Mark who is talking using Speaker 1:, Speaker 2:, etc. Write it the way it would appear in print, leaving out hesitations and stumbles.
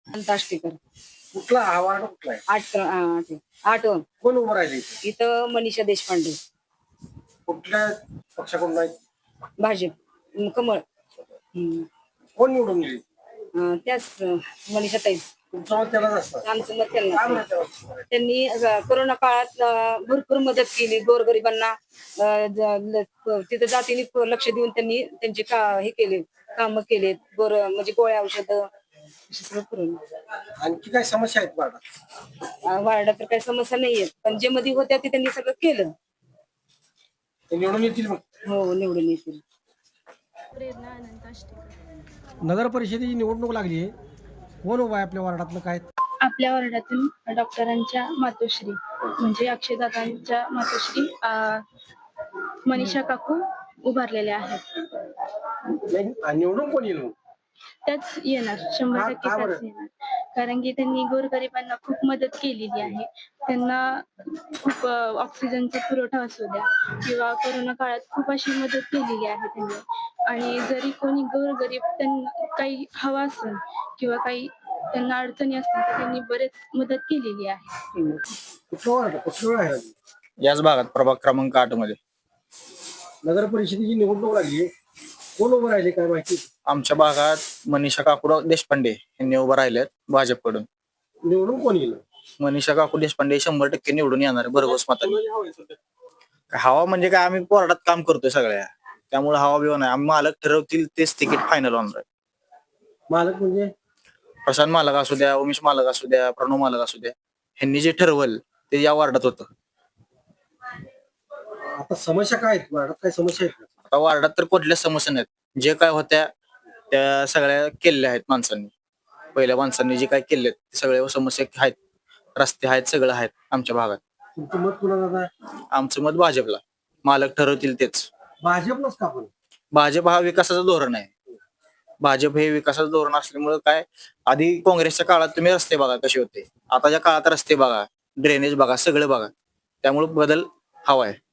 Speaker 1: अंताष्टीकर.
Speaker 2: कुठला हा वार्ड कुठला आहे?
Speaker 1: आठ
Speaker 2: कोण उभं राहिले इथे?
Speaker 1: इथं मनीषा देशपांडे,
Speaker 2: कुठल्या पक्षाकडून नाही?
Speaker 1: भाजप, कमळ.
Speaker 2: कोण निवडून गेली?
Speaker 1: त्याच मनीषा ताईच.
Speaker 2: तुमचं मत त्यालाच असतं.
Speaker 1: आमचं मत त्यांना.
Speaker 2: काय म्हणत त्याला?
Speaker 1: त्यांनी कोरोना काळात भरपूर मदत केली गोरगरिबांना. तिथं जातीने लक्ष देऊन त्यांनी त्यांचे हे केले, काम केले. म्हणजे गोळ्या औषधं सगळं करून.
Speaker 2: आणखी काय समस्या आहेत वार्डात?
Speaker 1: वार्डात तर काही समस्या नाहीयेत, पण जे मध्ये होत्या ते त्यांनी सगळं केलं.
Speaker 2: ते निवडून येतील मग?
Speaker 1: हो, निवडून येतील.
Speaker 3: प्रेरणा अनंत अष्टेकर.
Speaker 2: नगर परिषदेची निवडणूक लागली आहे, कोण उभा आहे आपल्या वार्डातलं काय?
Speaker 3: आपल्या वर्गातून डॉक्टरांच्या मातोश्री म्हणजे अक्षयदादांच्या मातोश्री मनीषा काकू उभारलेल्या आहेत.
Speaker 2: निवडून कोण येईल?
Speaker 3: त्याच येणार, 100% त्याच येणार. कारण की त्यांनी गोरगरिबांना खूप मदत केलेली आहे. त्यांना खूप ऑक्सिजनचा पुरवठा असू द्या किंवा कोरोना काळात खूप अशी मदत केलेली आहे त्यांनी. आणि जरी कोणी गोरगरीब त्यांना काही हवा असेल किंवा काही त्यांना अडचणी असतील तर त्यांनी बरेच मदत केलेली आहे.
Speaker 2: कुठलं आहे?
Speaker 4: याच भागात प्रभाग क्रमांक 8 मध्ये
Speaker 2: नगर परिषदेची निवडणूक लागली, कोण उभं राहिले काय माहिती?
Speaker 4: आमच्या भागात मनीषा काकू देशपांडे यांनी उभं राहिलेत भाजपकडून.
Speaker 2: निवडून कोण येईल?
Speaker 4: मनीषा काकू देशपांडे 100% निवडून येणार आहे भरघोस मतांनी. हवा म्हणजे काय, आम्ही कोर्टात काम करतोय सगळ्या, त्यामुळे हवा बिवा नाही. आम्ही मालक ठरवतील तेच तिकीट फायनल होणार आहे.
Speaker 2: मालक म्हणजे
Speaker 4: प्रशांत मालक असू द्या, उमेश मालक असू द्या, प्रणव मालक असू द्या, ह्यांनी जे ठरवल ते या वार्डात होतं.
Speaker 2: आता समस्या काय आहेत वार्डात? काय समस्या आहेत?
Speaker 4: आता वार्डात तर कुठल्याच समस्या नाहीत. जे काय होत्या त्या सगळ्या केलेल्या आहेत माणसांनी. पहिल्या माणसांनी जे काय केले ते सगळ्या समस्या आहेत. रस्ते आहेत, सगळं आहेत आमच्या भागात.
Speaker 2: तुमचं मत कुणाला आहे?
Speaker 4: आमचं मत भाजपला. मालक ठरवतील तेच.
Speaker 2: भाजपलाच का पण?
Speaker 4: भाजप हा विकासाचं धोरण आहे. भाजप हे विकासाचं धोरण असल्यामुळे काय, आधी काँग्रेसच्या काळात तुम्ही रस्ते बघा कसे होते, आताच्या काळात रस्ते बघा, ड्रेनेज बघा, सगळं बघा. त्यामुळे बदल हवा आहे.